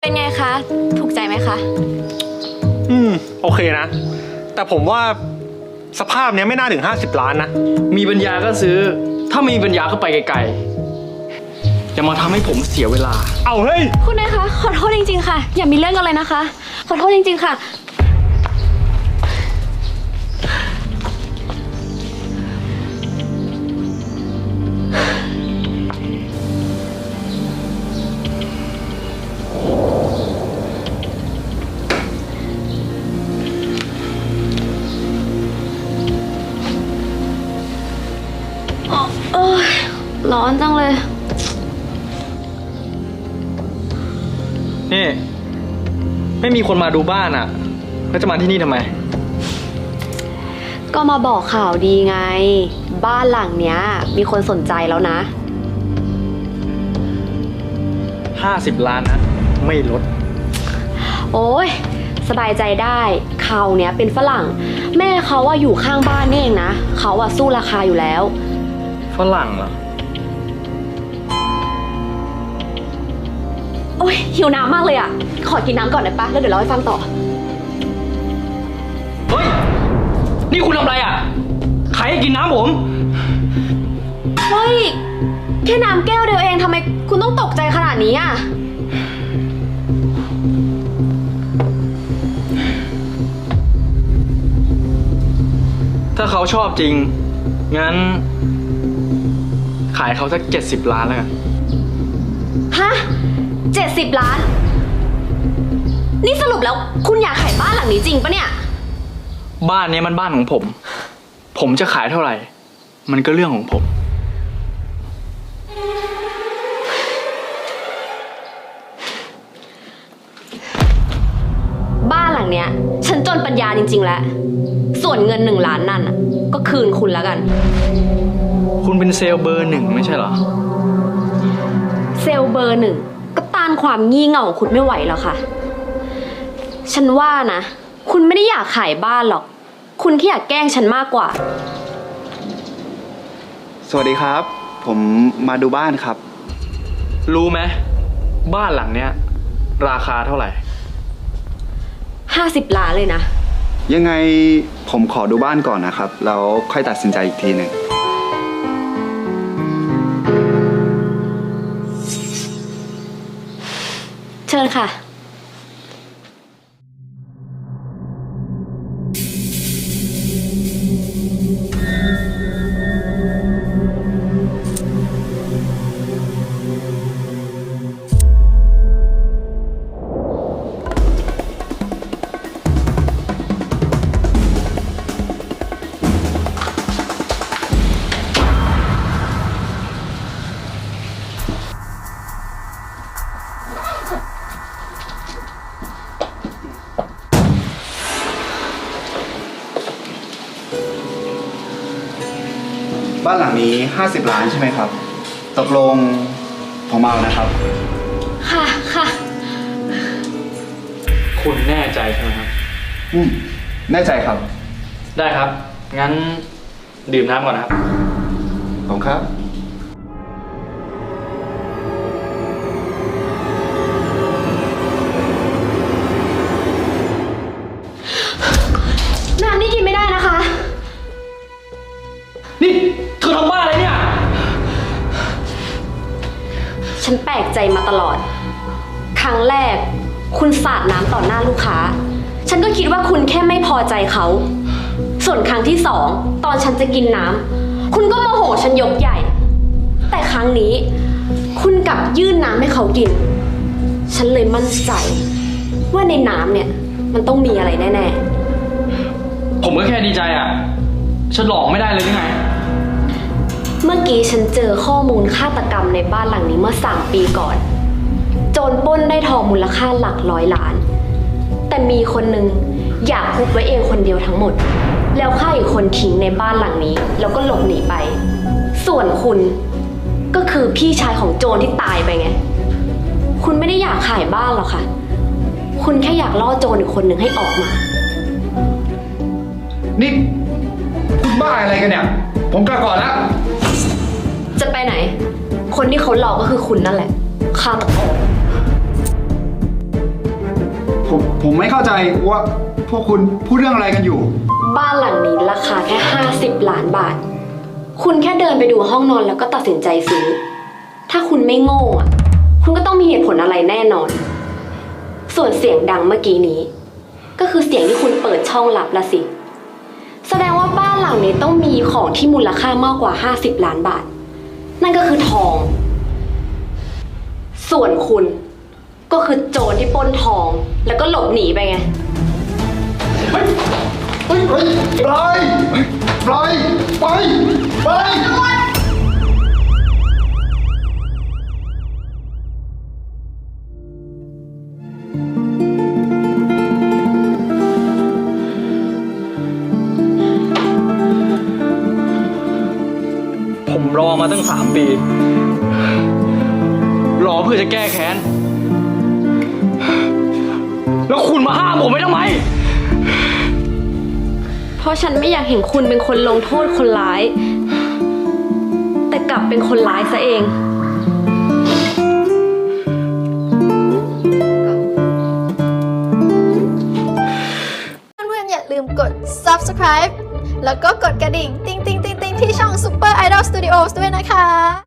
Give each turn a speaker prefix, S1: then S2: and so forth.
S1: เป็นไงคะ ถูกใจไหมคะ
S2: โอเคนะ แต่ผมว่าสภาพเนี้ยไม่น่าถึง50 ล้านนะ
S3: มีปัญญาก็ซื้อ ถ้าไม่มีปัญญาก็ไปไกลๆอย่ามาทำให้ผมเสียเวลา
S2: เอาเฮ้ย
S1: คุณนายคะ ขอโทษจริงๆค่ะ อย่ามีเรื่องกันเลยนะคะ ขอโทษจริงๆค่ะ เอ้ยร้อนจังเลย
S3: นี่ ไม่มีคนมาดูบ้านอ่ะ แล้วจะมาที่นี่ทำไม
S1: ก็มาบอกข่าวดีไง บ้านหลังเนี้ย มีคนสนใจแล้วนะ
S3: 50 ล้านนะ ไม่ลด
S1: โอ้ยสบายใจได้เขาเนี้ยเป็นฝรั่ง แม่เขาว่าอยู่ข้างบ้านนี่เองนะเขาว่าสู้ราคาอยู่แล้ว
S3: ฝรั่งเหรอ
S1: โอ้ยหิวน้ำมากเลยอ่ะ ขอกินน้ำก่อนได้ปะแล้วเดี๋ยวเล่าให้ฟังต่อ
S3: เฮ้ย นี่คุณทำอะไรอ่ะ ใครให้กินน้ำผม
S1: เฮ้ย แค่น้ำแก้วเดียวเองทำไมคุณต้องตกใจขนาดนี้อ่ะ
S3: ถ้าเขาชอบจริง งั้น ขายเขาสัก70 ล้านแล้วกัน
S1: ฮะ70 ล้าน นี่สรุปแล้วคุณอยากขายบ้านหลังนี้จริงปะเนี่ย
S3: บ้านนี้มันบ้านของผม ผมจะขายเท่าไหร่ มันก็เรื่องของผม
S1: บ้านหลังเนี้ย ฉันจนปัญญาจริงๆแล้ว ส่วนเงิน1 ล้านนั่นน่ะก็คืนคุณแล้วกัน
S3: คุณเป็นเซลล์เบอร์ 1ไม่ใช่เหรอ
S1: เซลล์เบอร์ 1ก็ต้านความงี่เง่าของคุณไม่ไหวแล้วค่ะ ฉันว่านะ คุณไม่ได้อยากขายบ้านหรอก คุณแค่อยากแกล้งฉันมากกว่า
S4: สวัสดีครับ ผมมาดูบ้านครับ
S3: รู้ไหมบ้านหลังเนี้ย ราคาเท่าไหร่
S1: 50 ล้านเลยนะ
S4: ยังไงผมขอดูบ้านก่อนนะครับ แล้วค่อยตัดสินใจอีกทีหนึ่ง
S1: เชิญค่ะ
S4: บ้านหลังนี้50 ล้านใช่ไหมครับ ตกลงผมเอานะครับ
S1: ค่ะค่ะ
S3: คุณแน่ใจใช่ไหมครับ
S4: แน่ใจครับ
S3: ได้ครับ งั้นดื่มน้ำก่อนนะครับ
S4: ผมครับ
S1: น้ำนี่กินไม่ได้นะคะ
S3: นี่เธอทำบ้าอะไรเนี่ย
S1: ฉันแปลกใจมาตลอด ครั้งแรก คุณสาดน้ำต่อหน้าลูกค้า ฉันก็คิดว่าคุณแค่ไม่พอใจเขา ส่วนครั้งที่2ตอนฉันจะกินน้ำคุณก็โมโหฉันยกใหญ่ แต่ครั้งนี้ คุณกลับยื่นน้ำให้เขากิน ฉันเลยมั่นใจ ว่าในน้ำเนี่ย มันต้องมีอะไรแน่
S3: ผมก็แค่ดีใจอ่ะ ฉันหลอกไม่ได้เลยหรือไง
S1: ๆ เมื่อกี้ฉันเจอข้อมูลฆาตกรรมในบ้านหลังนี้เมื่อ3 ปีก่อน โจรปล้นได้ทองมูลค่าหลัก100 ล้าน แต่มีคนหนึ่งอยากคุบไว้เองคนเดียวทั้งหมด แล้วฆ่าอีกคนทิ้งในบ้านหลังนี้ แล้วก็หลบหนีไป ส่วนคุณก็คือพี่ชายของโจรที่ตายไปไง คุณไม่ได้อยากขายบ้านหรอกค่ะ คุณแค่อยากล่อโจรอีกคนหนึ่งให้ออกมา
S4: นี่คุณบ้าอะไรกันเนี่ย ผมกลับก่อนแล้ว
S1: จะไปไหน คนที่เขาหลอกก็คือคุณนั่นแหละฆาตกร
S4: ผมไม่เข้าใจว่าพวกคุณพูดเรื่องอะไรกันอยู่
S1: บ้านหลังนี้ราคาแค่50 ล้านบาท คุณแค่เดินไปดูห้องนอนแล้วก็ตัดสินใจซื้อ ถ้าคุณไม่โง่อะคุณก็ต้องมีเหตุผลอะไรแน่นอน ส่วนเสียงดังเมื่อกี้นี้ ก็คือเสียงที่คุณเปิดช่องลับละสิ แสดงว่าบ้านหลังนี้ต้องมีของที่มูลค่ามากกว่า50 ล้านบาท นั่นก็คือทอง ส่วนคุณก็คือโจรที่ปล้นทองแล้วก็หลบหนีไปไง
S4: เฮ้ยปล่อยไป
S3: ผมรอมาตั้ง3 ปี รอเพื่อจะแก้แค้น แล้วคุณมาห้ามผมไม่ทำไม
S1: เพราะฉันไม่อยากเห็นคุณเป็นคนลงโทษคนร้าย แต่กลับเป็นคนร้ายซะเอง
S5: เพื่อนๆอย่าลืมกด subscribe แล้วก็กดกระดิ่ง ติ๊งๆๆๆที่ช่อง Super Idol Studios ด้วยนะคะ